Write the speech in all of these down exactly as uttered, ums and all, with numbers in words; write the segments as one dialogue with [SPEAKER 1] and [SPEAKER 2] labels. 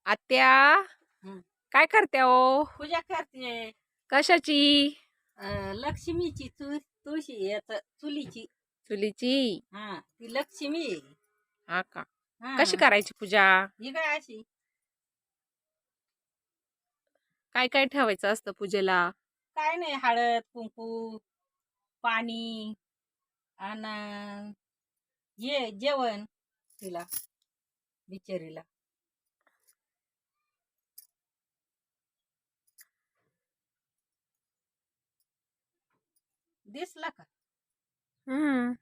[SPEAKER 1] आत्या
[SPEAKER 2] हं.
[SPEAKER 1] काय करते हो?
[SPEAKER 2] पूजा करते.
[SPEAKER 1] कशाची?
[SPEAKER 2] अं, लक्ष्मीची तु तुळशी याच चुलीची.
[SPEAKER 1] चुलीची?
[SPEAKER 2] हा ती लक्ष्मी आहे.
[SPEAKER 1] हा का?
[SPEAKER 2] हा
[SPEAKER 1] कशी करायची पूजा?
[SPEAKER 2] ही काय अशी
[SPEAKER 1] काय काय ठेवायचं असतं पूजेला?
[SPEAKER 2] काय नाही, हळद कुंकू पाणी आणि ये जेवण तिला बिचारीला. दिसला का?
[SPEAKER 1] हम्म.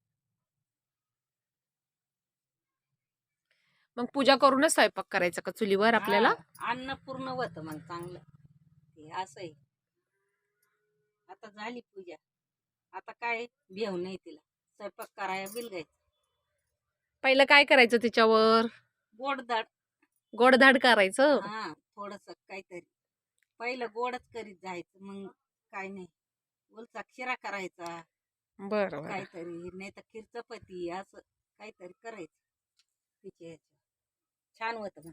[SPEAKER 1] मग पूजा करूनच स्वयंपाक करायचा का चुलीवर आपल्याला?
[SPEAKER 2] हा अन्न पूर्ण होत मग चांगलं. ते असं आहे. आता झाली पूजा. आता काय भेव नाही तिला. स्वयंपाक कराया बिलगायचं.
[SPEAKER 1] पहिलं काय करायचं त्याच्यावर?
[SPEAKER 2] गोडदाड.
[SPEAKER 1] गोडधाड करायचं?
[SPEAKER 2] हा थोडस काहीतरी पहिलं गोडच करीत जायचं, मग काय नाही उलचा खिरा करायचा
[SPEAKER 1] बरं बरं.
[SPEAKER 2] काहीतरी, नाही तर खीर चपाती असं काहीतरी करायचं तिच्या ह्याच्या. छान होत मग.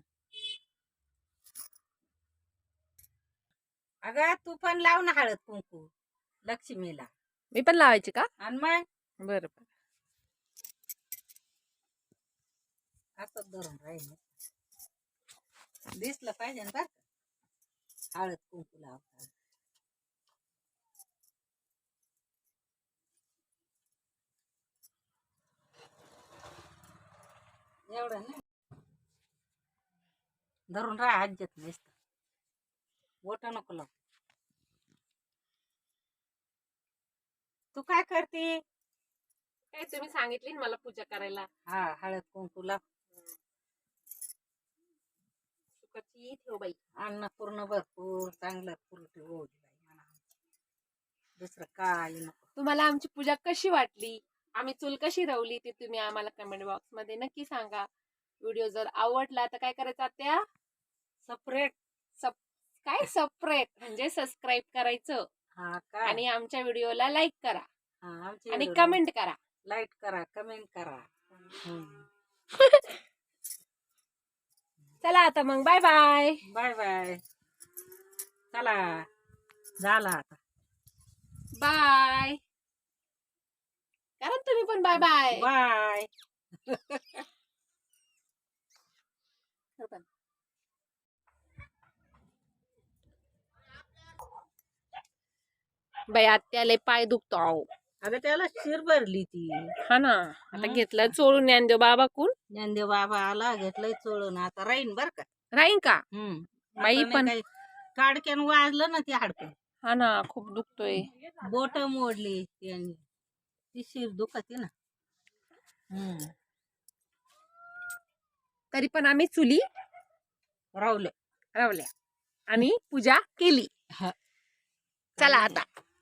[SPEAKER 2] अगं तू पण लाव ना हळद कुंकू लक्ष्मीला.
[SPEAKER 1] मी पण लावायची का?
[SPEAKER 2] आणि मग
[SPEAKER 1] बरं बरं.
[SPEAKER 2] असं धरून राहील. दिसलं पाहिजे ना बरं का? हळद कुंकू लावता. एवढं नाही धरून राहा, आज्यात नसत बोट नको लाव. तू काय करते?
[SPEAKER 1] काय तुम्ही सांगितली ना मला पूजा करायला.
[SPEAKER 2] हा हळद कुंकू लाव.
[SPEAKER 1] सुखाची ठेव बाई.
[SPEAKER 2] अन्न पूर्ण भरपूर चांगलं पुरटी होऊ दे बाई मला. दुसरं काय नको.
[SPEAKER 1] तुम्हाला आमची पूजा कशी वाटली, आम्ही चूल कशी रवली, ते तुम्ही आम्हाला कमेंट बॉक्स मध्ये नक्की सांगा. व्हिडिओ जर आवडला तर काय करायचं आत्या?
[SPEAKER 2] सेपरेट
[SPEAKER 1] सब काय सेपरेट म्हणजे सबस्क्राईब करायचं
[SPEAKER 2] हा काय
[SPEAKER 1] आणि आमच्या व्हिडिओला लाईक करा
[SPEAKER 2] हा आमची
[SPEAKER 1] आणि
[SPEAKER 2] व्हिडिओ
[SPEAKER 1] कमेंट करा.
[SPEAKER 2] लाईक करा, कमेंट करा. हम्म.
[SPEAKER 1] चला आता मग बाय बाय.
[SPEAKER 2] Bye bye. चला झाला आता.
[SPEAKER 1] बाय करा तुम्ही पण. Bye bye.
[SPEAKER 2] बाय.
[SPEAKER 1] बाई आत्याले पाय दुखतो अहो.
[SPEAKER 2] अगं त्याला शिर भरली ती.
[SPEAKER 1] हा ना, आता घेतलं चोळून ज्ञानदेव बाबा कोण.
[SPEAKER 2] ज्ञानदेव बाबा आला, घेतलंय चोळून. आता राहीन बर का.
[SPEAKER 1] राहीन का?
[SPEAKER 2] हम्म
[SPEAKER 1] बाई पण
[SPEAKER 2] काडक्यान वाजलं ना ते हाडकं.
[SPEAKER 1] हा ना, खूप दुखतोय.
[SPEAKER 2] बोट मोडली त्यांनी. ती शिर दुखते ना. हम्म
[SPEAKER 1] तरी पण आम्ही चुली
[SPEAKER 2] रावलं
[SPEAKER 1] रवल्या आणि पूजा केली.
[SPEAKER 2] हा.
[SPEAKER 1] चला आता.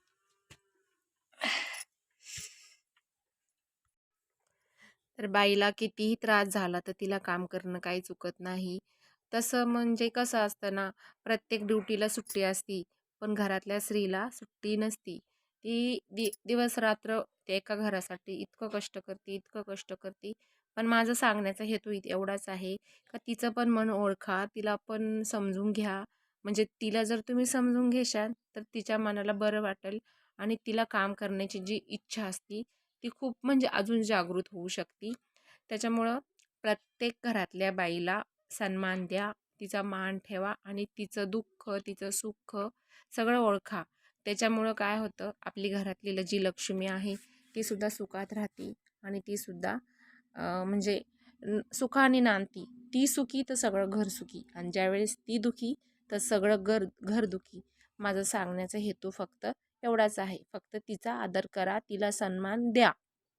[SPEAKER 1] तर बाईला कितीही त्रास झाला तर तिला काम करणं काही चुकत नाही. तसं म्हणजे कसं असतं ना, प्रत्येक ड्युटीला सुट्टी असती, पण घरातल्या स्त्रीला सुट्टी नसती. ती दि दिवस रात्र त्या एका घरासाठी इतकं कष्ट करते, इतकं कष्ट करते. पण माझं सांगण्याचा हेतू इत एवढाच आहे का तिचं पण मन ओळखा, तिला पण समजून घ्या. म्हणजे तिला जर तुम्ही समजून घेशाल तर तिच्या मनाला बरं वाटेल आणि तिला काम करण्याची जी इच्छा असती ती खूप म्हणजे अजून जागृत होऊ शकते. त्याच्यामुळं प्रत्येक घरातल्या बाईला सन्मान द्या, तिचा मान ठेवा आणि तिचं दुःख, तिचं सुख सगळं ओळखा. त्याच्यामुळं काय होतं, आपली घरातली जी लक्ष्मी आहे ती सुद्धा सुखात राहते आणि ती सुद्धा म्हणजे सुखाने नांदती. ती सुखी तर सगळं घर सुखी, आणि ज्यावेळेस ती दुखी तर सगळं घर घर दुखी. माझं सांगण्याचा हेतू फक्त एवढाच आहे. फक्त तिचा आदर करा, तिला सन्मान द्या.